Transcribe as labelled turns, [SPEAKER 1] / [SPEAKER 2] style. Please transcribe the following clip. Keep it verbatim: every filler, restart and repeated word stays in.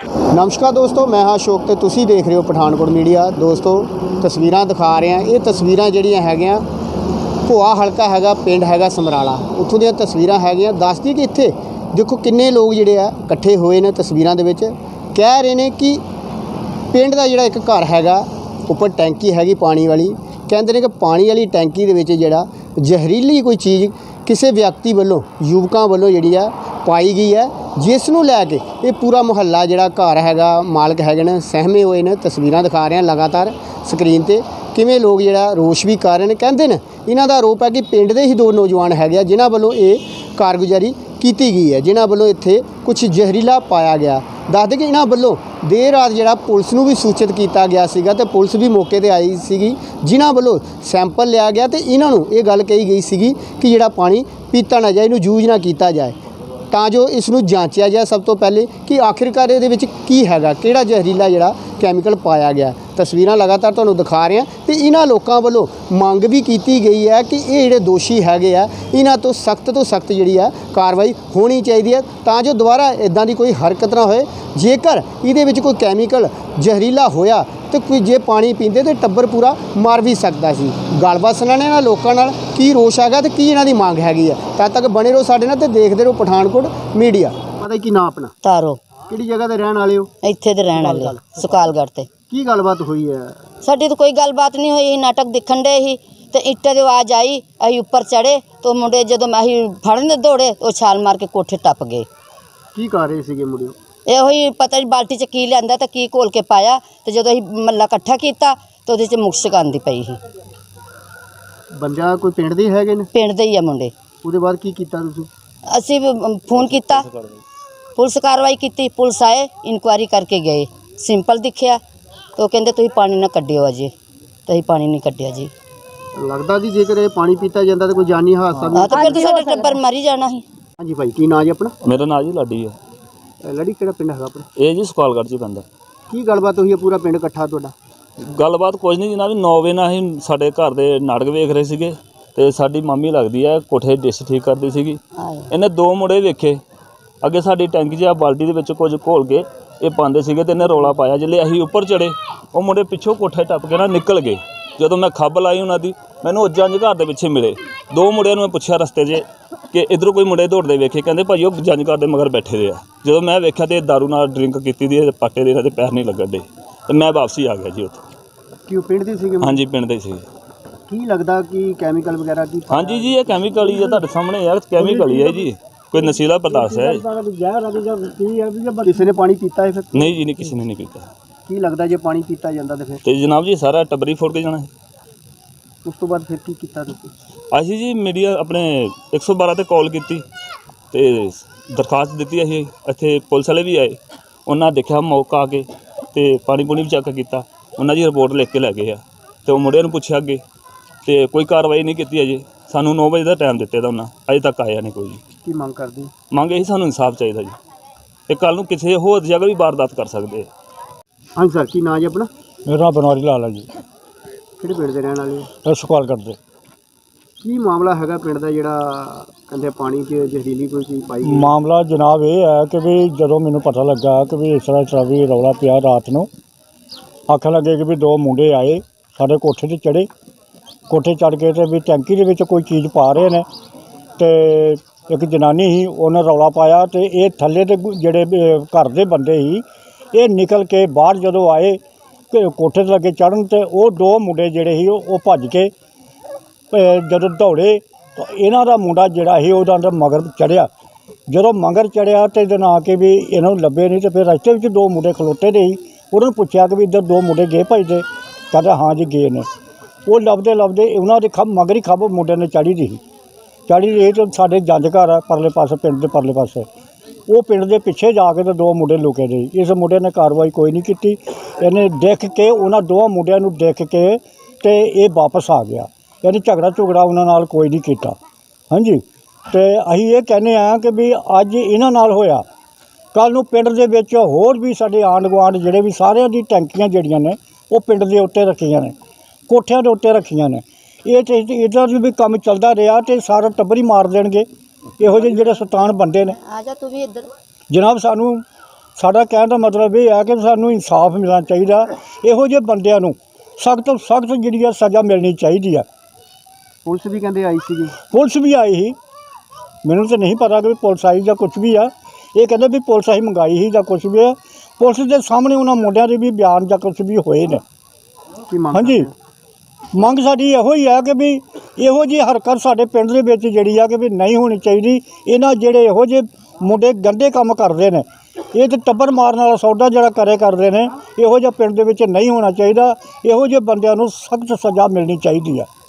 [SPEAKER 1] नमस्कार दोस्तों, मैं हाँ अशोक तो तुसी देख रहे हो पठानकोट मीडिया। दोस्तों तस्वीरां दिखा रहे हैं, ये तस्वीरां ਜਿਹੜੀਆਂ ਹੈਗੀਆਂ ਭੋਆ ਹਲਕਾ ਹੈਗਾ, ਪਿੰਡ ਹੈਗਾ ਸਮਰਾਲਾ, ਉੱਥੋਂ ਦੀਆਂ ਤਸਵੀਰਾਂ ਹੈਗੀਆਂ। ਦੱਸਦੀ ਕਿ ਇੱਥੇ ਦੇਖੋ ਕਿੰਨੇ ਲੋਕ ਜਿਹੜੇ ਆ ਇਕੱਠੇ ਹੋਏ ਨੇ ਤਸਵੀਰਾਂ ਦੇ ਵਿੱਚ। ਕਹਿ ਰਹੇ ਨੇ ਕਿ ਪਿੰਡ ਦਾ ਜਿਹੜਾ ਇੱਕ ਘਰ ਹੈਗਾ ਉੱਪਰ ਟੈਂਕੀ ਹੈਗੀ ਪਾਣੀ ਵਾਲੀ, ਕਹਿੰਦੇ ਨੇ ਕਿ ਪਾਣੀ ਵਾਲੀ ਟੈਂਕੀ ਦੇ ਵਿੱਚ ਜਿਹੜਾ ਜ਼ਹਿਰੀਲੀ ਕੋਈ ਚੀਜ਼ ਕਿਸੇ ਵਿਅਕਤੀ ਵੱਲੋਂ ਯੁਵਕਾਂ ਵੱਲੋਂ ਜਿਹੜੀ ਆ ਪਾਈ ਗਈ ਹੈ, ਜਿਸ ਨੂੰ ਲੈ ਕੇ ਇਹ ਪੂਰਾ ਮੁਹੱਲਾ ਜਿਹੜਾ ਘਰ ਹੈਗਾ ਮਾਲਕ ਹੈਗੇ ਨੇ ਸਹਿਮੇ ਹੋਏ ਨੇ। ਤਸਵੀਰਾਂ ਦਿਖਾ ਰਹੇ ਹਾਂ ਲਗਾਤਾਰ ਸਕਰੀਨ ਤੇ ਕਿਵੇਂ ਲੋਕ ਜਿਹੜਾ ਰੋਸ਼ ਵੀ ਕਰ ਰਹੇ ਨੇ। ਕਹਿੰਦੇ ਨੇ ਇਹਨਾਂ ਦਾ ਆਰੋਪ ਹੈ ਕਿ ਪਿੰਡ ਦੇ ਹੀ ਦੋ ਨੌਜਵਾਨ ਹੈਗੇ ਆ ਜਿਨ੍ਹਾਂ ਵੱਲੋਂ ਇਹ ਕਾਰਗੁਜ਼ਾਰੀ ਕੀਤੀ ਗਈ ਹੈ, ਜਿਨ੍ਹਾਂ ਵੱਲੋਂ ਇੱਥੇ ਕੁਝ ਜ਼ਹਿਰੀਲਾ ਪਾਇਆ ਗਿਆ। ਦੱਸਦੇ ਕਿ ਇਹਨਾਂ ਵੱਲੋਂ ਦੇਰ ਰਾਤ ਜਿਹੜਾ ਪੁਲਿਸ ਨੂੰ ਵੀ ਸੂਚਿਤ ਕੀਤਾ ਗਿਆ ਸੀਗਾ ਤੇ ਪੁਲਿਸ ਵੀ ਮੌਕੇ ਤੇ ਆਈ ਸੀਗੀ, ਜਿਨ੍ਹਾਂ ਵੱਲੋਂ ਸੈਂਪਲ ਲਿਆ ਗਿਆ ਤੇ ਇਹਨਾਂ ਨੂੰ ਇਹ ਗੱਲ ਕਹੀ ਗਈ ਸੀਗੀ ਕਿ ਜਿਹੜਾ ਪਾਣੀ ਪੀਤਾ ਨਾ ਜਾਏ, ਇਹਨੂੰ ਯੂਜ਼ ਨਾ ਕੀਤਾ ਜਾਏ ਤਾਂ ਜੋ ਇਸ ਨੂੰ ਜਾਂਚਿਆ ਜਾਏ ਸਭ ਤੋਂ ਪਹਿਲੇ ਕਿ ਆਖਿਰਕਾਰ ਇਹਦੇ ਵਿੱਚ ਕੀ ਹੈਗਾ, ਕਿਹੜਾ ਜ਼ਹਿਰੀਲਾ ਜਿਹੜਾ ਕੈਮੀਕਲ ਪਾਇਆ ਗਿਆ। ਤਸਵੀਰਾਂ ਲਗਾਤਾਰ ਤੁਹਾਨੂੰ ਦਿਖਾ ਰਹੇ ਹਾਂ ਤੇ ਇਹਨਾਂ ਲੋਕਾਂ ਵੱਲੋਂ ਮੰਗ ਵੀ ਕੀਤੀ ਗਈ ਹੈ ਕਿ ਇਹ ਜਿਹੜੇ ਦੋਸ਼ੀ ਹੈਗੇ ਆ ਇਹਨਾਂ ਤੋਂ ਸਖਤ ਤੋਂ ਸਖਤ ਜਿਹੜੀ ਆ ਕਾਰਵਾਈ ਹੋਣੀ ਚਾਹੀਦੀ ਹੈ ਤਾਂ ਜੋ ਦੁਬਾਰਾ ਇਦਾਂ ਦੀ ਕੋਈ ਹਰਕਤ ਨਾ ਹੋਏ। ਜੇਕਰ ਇਹਦੇ ਵਿੱਚ ਕੋਈ ਕੈਮੀਕਲ ਜ਼ਹਿਰੀਲਾ ਹੋਇਆ ਤੇ ਕੋਈ ਜੇ ਪਾਣੀ ਪੀਂਦੇ ਤੇ ਟੱਬਰ ਪੂਰਾ ਮਰ ਵੀ ਸਕਦਾ ਸੀ। ਗੱਲਬਾਤ ਸੁਣਾਣੇ ਨਾਲ ਲੋਕਾਂ ਨਾਲ ਕੀ ਰੋਸ਼ ਹੈਗਾ ਤੇ ਕੀ ਇਹਨਾਂ ਦੀ ਮੰਗ ਹੈਗੀ ਆ। ਤਦ ਤੱਕ ਬਣੇ ਰਹੋ ਸਾਡੇ ਨਾਲ ਤੇ ਦੇਖਦੇ ਰਹੋ ਪਠਾਨਕੋਟ ਮੀਡੀਆ। ਪਤਾ ਕੀ ਨਾਂ ਆਪਣਾ?
[SPEAKER 2] ਤਾਰੋ।
[SPEAKER 1] ਕਿਹੜੀ ਜਗ੍ਹਾ ਤੇ ਰਹਿਣ ਵਾਲੇ ਹੋ?
[SPEAKER 2] ਇੱਥੇ ਤੇ ਰਹਿਣ ਵਾਲੇ ਸੁਕਾਲਗੜ੍ਹ ਤੇ।
[SPEAKER 1] ਕੀ ਗੱਲਬਾਤ ਹੋਈ ਹੈ?
[SPEAKER 2] ਸਾਡੀ ਤਾਂ ਕੋਈ ਗੱਲਬਾਤ ਨਹੀਂ ਹੋਈ, ਨਾਟਕ ਦਿਖਣ ਦੇ ਹੀ ਤੇ ਇੱਟਾਂ ਦੀ ਆਵਾਜ਼ ਆਈ, ਅਸੀਂ ਉੱਪਰ ਚੜੇ तो मुंडे जो ਅਸੀਂ ਫੜਨ ਦੌੜੇ ਉਹ ਛਾਲ ਮਾਰ ਕੇ ਕੋਠੇ ਟੱਪ ਗਏ।
[SPEAKER 1] ਕੀ ਕਰ ਰਹੇ ਸੀਗੇ ਮੁੰਡੇ?
[SPEAKER 2] ਇਹੋ ਹੀ ਪਤਾ ਨਹੀਂ ਬਾਲਟੀ 'ਚ ਕੀ ਲਿਆਂਦਾ ਤੇ ਕੀ ਘੋਲ ਕੇ ਪਾਇਆ ਤੇ ਜਦੋਂ ਅਸੀਂ ਮੱਲਾ ਇਕੱਠਾ ਕੀਤਾ ਤੇ ਉਹਦੇ 'ਚ ਮੁਕਸ਼ਕ ਆਉਂਦੀ ਪਈ ਸੀ।
[SPEAKER 1] ਬੰਦਾ ਕੋਈ ਪਿੰਡ ਦੇ ਹੈਗੇ ਨੇ? ਪਿੰਡ
[SPEAKER 2] ਦੇ ਹੀ ਆ ਮੁੰਡੇ।
[SPEAKER 1] ਉਹਦੇ ਬਾਅਦ ਕੀ ਕੀਤਾ ਤੁਸੀਂ?
[SPEAKER 2] ਅਸੀਂ ਫੋਨ ਕੀਤਾ, ਪੁਲਿਸ ਕਾਰਵਾਈ ਕੀਤੀ, ਪੁਲਿਸ ਆਏ ਇਨਕੁਆਇਰੀ ਕਰਕੇ ਗਏ। ਸਿੰਪਲ ਦਿਖਿਆ तो कहते तुम पानी ना कड्डियो अजे, तो पानी नहीं कड्डिया जी।
[SPEAKER 1] लगता जी जेकर ये पानी पीता जाता तो कोई जानी हादसा भी?
[SPEAKER 2] हाँ तो फिर तो साडा टब्बर मर ही जाना ही।
[SPEAKER 1] हाँ जी भाई, की नाम जी अपना?
[SPEAKER 3] मेरा नाम जी लाडी है।
[SPEAKER 1] लाडी किहड़ा पिंड है अपना?
[SPEAKER 3] ये जी सुकालगढ़ च पैंदा।
[SPEAKER 1] की गलबात हुई है पूरा पिंड इकट्ठा तुहाडा?
[SPEAKER 3] गलबात कुछ नहीं जनाब, नौ वजे नाल असीं साडे घर दे नाटक वेख रहे सीगे ते साडी मामी लगदी है कोठे डिश ठीक करदी सीगी। इन्हें दो मुंडे वेखे अगे साडी टैंकी च बाल्टी दे विच कुछ घोल के ये पाते सीगे ते इन्हें रौला पाया। जिसले असीं उपर चढ़े वो मुंडे पिछों कोठे टप के ना निकल गए। जदों मैं खब लाई उन्होंने मैनूं जंज घर के पिछे मिले। दो मुंडियां नूं मैं पुछया रस्ते 'च कि इधरों कोई मुंडे दौड़ते वेखे, कहते भाई वो जंज घर के मगर बैठे दे आ। जो मैं वेख्या तो दारू नाल ड्रिंक की दी पाटे दे पैर नहीं लगन दे तो मैं वापसी आ गया जी उत्थे।
[SPEAKER 1] कि पिंड दे सीगे? हाँ
[SPEAKER 3] जी पिंड दे सीगे।
[SPEAKER 1] की लगता कि कैमिकल वगैरह की?
[SPEAKER 3] हाँ जी जी ये कैमिकल ही है, तुहाडे सामने यार कैमिकल ही है जी, कोई नशीला पदार्थ है।
[SPEAKER 1] किसी ने पानी पीता है फिर?
[SPEAKER 3] नहीं जी नहीं, किसी ने नहीं पीता।
[SPEAKER 1] की लगता जो पानी पीता जाता तो फिर?
[SPEAKER 3] तो जनाब जी सारा टब्बरी फोड़ के जाना है।
[SPEAKER 1] उस तो बाद फिर की कीता तुसीं?
[SPEAKER 3] असीं जी मीडिया अपने एक सौ बारह ते कॉल की ते दरखास्त दी। असीं इत्थे पुलिस वाले भी आए, उन्होंने देखा मौका आके ते पानी पूनी भी चेक किया, उन्होंने जी रिपोर्ट लिख के लै गए। तो मुंडिਆਂ ਨੂੰ ਪੁੱਛਿਆ ਅੱਗੇ ਤੇ ਕੋਈ ਕਾਰਵਾਈ नहीं की अजे। सानू नौ बजे का टाइम दिते दा उन्होंने, अजे तक आया नहीं कोई।
[SPEAKER 1] की मंग करदी?
[SPEAKER 3] मंग यही सानू इंसाफ चाहिए जी, ते कल नूं किसी होर जगह भी वारदात कर सकते।
[SPEAKER 1] हाँ सर, की नाम जी अपना?
[SPEAKER 4] मेरा बनवारी लाल है जी।
[SPEAKER 1] किहड़े पिंड दे रहण वाले हो?
[SPEAKER 4] सुकालगढ़ दे।
[SPEAKER 1] की मामला हैगा पिंड दा जिहड़ा कहंदे पानी 'च जहरीली कोई चीज़ पाई गई?
[SPEAKER 4] मामला जनाब ये है कि भी जदों मैनूं पता लगा कि भी इस तरह इस तरह भी रौला पिया रात नूं, आखन लगे कि भी दो मुंडे आए साडे कोठे ते चढ़े, कोठे चढ़ के ते भी टैंकी दे विच कोई चीज़ पा रहे ने ते एक जनानी ही उन्हें रौला पाया तो ये थल्ले दे जिहड़े घर दे बंदे ही ये निकल के बाहर जदों आए कोठे ते लगे चढ़न ते वो दो मुंडे जिहड़े ही वो भज के जदों दौड़े तो इन्हां दा मुंडा जिहड़ा ही उहदा मगर चढ़िया। जदों मगर चढ़िया तो इधर आ के भी इन्हों लभे नहीं तो फिर रस्ते में दो मुंडे खलोते दे ही उन्होंने पुछया कि भी इधर दो मुंडे गए भजते? कहते हाँ जी गए ने। वो लभदे लभदे उन्होंने खब मगर ही खब मुंडे ने चढ़ी दी चढ़ी रही तो साढ़े जंज घर है परले पासे, पिंड के परले पासे, वो पिंड के पिछे जाके तो दो मुंडे लुके रहे। इस मुंडे ने कार्रवाई कोई नहीं की, इन्हें देख के उन्होंने दो मुंडिया नूं देख के तो ये वापस आ गया, यानी झगड़ा झुगड़ा उन्होंने कोई नहीं किया। हाँ जी, तो असीं ये कहने हैं कि भी अज इन्हां नाल होया कल नूं पिंड दे विच होर भी साडे आंढ गुआंढ जिहड़े भी सारिਆਂ दी टैंकियां जिहड़ियां ने वो पिंड दे उत्ते रखियां ने, कोठियां दे उत्ते रखियां ने। ये तो इधर भी काम चलता रहा तो सारा टब्बर ही मार देंगे इहो ਜਿਹੇ ਜਿਹੜੇ शैतान बंदे ने।
[SPEAKER 2] आ जा तू भी इधर।
[SPEAKER 4] जनाब सानू ਸਾਡਾ ਕਹਿਣ ਦਾ ਮਤਲਬ ਇਹ ਹੈ ਕਿ ਸਾਨੂੰ ਇਨਸਾਫ ਮਿਲਣਾ ਚਾਹੀਦਾ। ਇਹੋ ਜਿਹੇ ਬੰਦਿਆਂ ਨੂੰ ਸਖਤ ਤੋਂ ਸਖਤ ਜਿਹੜੀ ਆ ਸਜ਼ਾ ਮਿਲਣੀ ਚਾਹੀਦੀ ਆ।
[SPEAKER 1] ਪੁਲਿਸ ਵੀ ਕਹਿੰਦੇ ਆਈ ਸੀਗੀ।
[SPEAKER 4] ਪੁਲਿਸ ਵੀ ਆਈ ਸੀ, ਮੈਨੂੰ ਤਾਂ ਨਹੀਂ ਪਤਾ ਕਿ ਪੁਲਿਸ ਆਈ ਜਾਂ ਕੁਝ ਵੀ ਆ। ਇਹ ਕਹਿੰਦੇ ਵੀ ਪੁਲਿਸ ਆਈ ਮੰਗਾਈ ਸੀ ਜਾਂ ਕੁਝ ਵੀ ਆ। ਪੁਲਿਸ ਦੇ ਸਾਹਮਣੇ ਉਹਨਾਂ ਮੁੰਡਿਆਂ ਦੇ ਵੀ ਬਿਆਨ ਜਾਂ ਕੁਝ ਵੀ ਹੋਏ ਨੇ।
[SPEAKER 1] ਕੀ ਮੰਗ
[SPEAKER 4] ਹਾਂਜੀ,
[SPEAKER 1] ਕਰਦੇ ਹੋ?
[SPEAKER 4] ਮੰਗ ਸਾਡੀ ਇਹੋ ਹੀ ਆ ਕਿ ਵੀ ਇਹੋ ਜਿਹੀ ਹਰਕਤ ਸਾਡੇ ਪਿੰਡ ਦੇ ਵਿੱਚ ਜਿਹੜੀ ਆ ਕਿ ਵੀ ਨਹੀਂ ਹੋਣੀ ਚਾਹੀਦੀ। ਇਹਨਾਂ ਜਿਹੜੇ ਇਹੋ ਜਿਹੇ ਮੁੰਡੇ ਗੰਦੇ ਕੰਮ ਕਰਦੇ ਨੇ, ਇਹ ਤੇ ਟੱਬਰ ਮਾਰਨ ਵਾਲਾ ਸੌਦਾ ਜਿਹੜਾ ਕਰੇ ਕਰਦੇ ਨੇ, ਇਹੋ ਜਿਹਾ ਪਿੰਡ ਦੇ ਵਿੱਚ ਨਹੀਂ ਹੋਣਾ ਚਾਹੀਦਾ। ਇਹੋ ਜਿਹੇ ਬੰਦਿਆਂ ਨੂੰ ਸਖਤ ਸਜ਼ਾ ਮਿਲਣੀ ਚਾਹੀਦੀ ਆ।